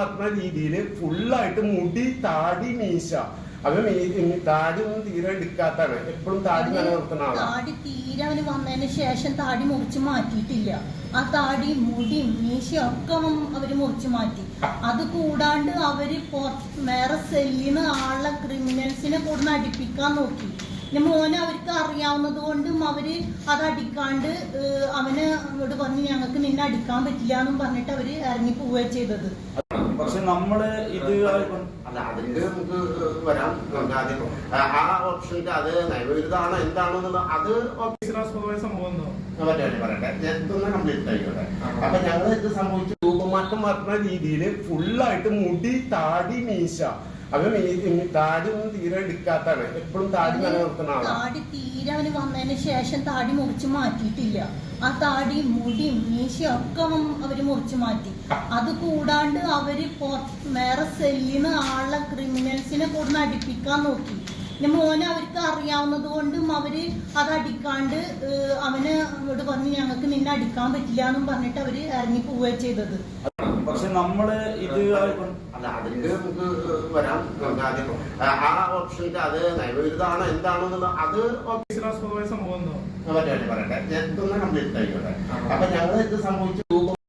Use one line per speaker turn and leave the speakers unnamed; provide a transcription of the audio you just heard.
പറഞ്ഞ രീതിയിൽ ഫുള്ളായിട്ട് മുടി താടി മീശ അവൻ താടി ഒന്നും തീരെ എടുക്കാത്താണ്. എപ്പോഴും താടി നിലനിർത്തുന്ന ആളാണ്.
താടി തീരെ അവന് വന്നതിന് ശേഷം താടി മുറിച്ച് മാറ്റിയിട്ടില്ല. ആ താടി മുടിയും മീശയും ഒക്കെ അവര് മുറിച്ച് മാറ്റി. അത് കൂടാണ്ട് അവര് വേറെ സെല്ലിന് ആളെ ക്രിമിനൽസിനെ കൂടെ അടിപ്പിക്കാൻ നോക്കി. മോനെ അവർക്ക് അറിയാവുന്നത് കൊണ്ടും അവര് അത് അടിക്കാണ്ട് അവന് ഇവിടെ പറഞ്ഞ് ഞങ്ങൾക്ക് നിന്നെ അടിക്കാൻ പറ്റില്ല എന്നും പറഞ്ഞിട്ട് അവര് ഇറങ്ങി പോവുകയാണ് ചെയ്തത്.
പക്ഷെ നമ്മള് ഇത്
അല്ല അതിന്റെ നമുക്ക് വരാം. ആദ്യം ആ ഓപ്ഷന്റെ അത് നയവിരുദ്ധാണോ എന്താണോ എന്നുള്ളത് അത്
സംഭവം
പറയട്ടെ. ഇതൊന്ന് കംപ്ലീറ്റ് ആയിക്കോട്ടെ. അപ്പൊ ഞങ്ങൾ ഇത് സംഭവിച്ചു രൂപമാറ്റം പറഞ്ഞ രീതിയിൽ ഫുള്ളായിട്ട് മുടി താടി മീശ അവൻ താടി ഒന്നും തീരെ എടുക്കാത്താണ്. എപ്പോഴും താടി നിലനിർത്തുന്ന ആളാണ്.
താടി തീരെ അവന് വന്നതിന് ശേഷം താടി മുറിച്ച് മാറ്റിയിട്ടില്ല. ആ താടി മുടിയും മീശയും ഒക്കെ അവര് മുറിച്ച് മാറ്റി. അത് കൂടാണ്ട് അവര് വേറെ സെല്ലിന് ആളെ ക്രിമിനൽസിനെ കൂടെ അടിപ്പിക്കാൻ നോക്കി. മോനെ അവർക്ക് അറിയാവുന്നത് കൊണ്ടും അവര് അത് അടിക്കാണ്ട് അവന് ഇവിടെ പറഞ്ഞ് ഞങ്ങൾക്ക് നിന്നെ അടിക്കാൻ പറ്റില്ല എന്നും പറഞ്ഞിട്ട് അവര് ഇറങ്ങി പോവുകയാണ് ചെയ്തത്.
പക്ഷെ നമ്മള് ഇത്
അല്ല അതിന്റെ നമുക്ക് വരാം. ആദ്യം ആ ഓപ്ഷന്റെ അത് നയവിരുദ്ധാണോ എന്താണോ എന്നുള്ളത് അത്
സംഭവം
പറയട്ടെ. ഇതൊന്ന് കംപ്ലീറ്റ് ആയിക്കോട്ടെ. അപ്പൊ ഞങ്ങൾ ഇത് സംഭവിച്ചു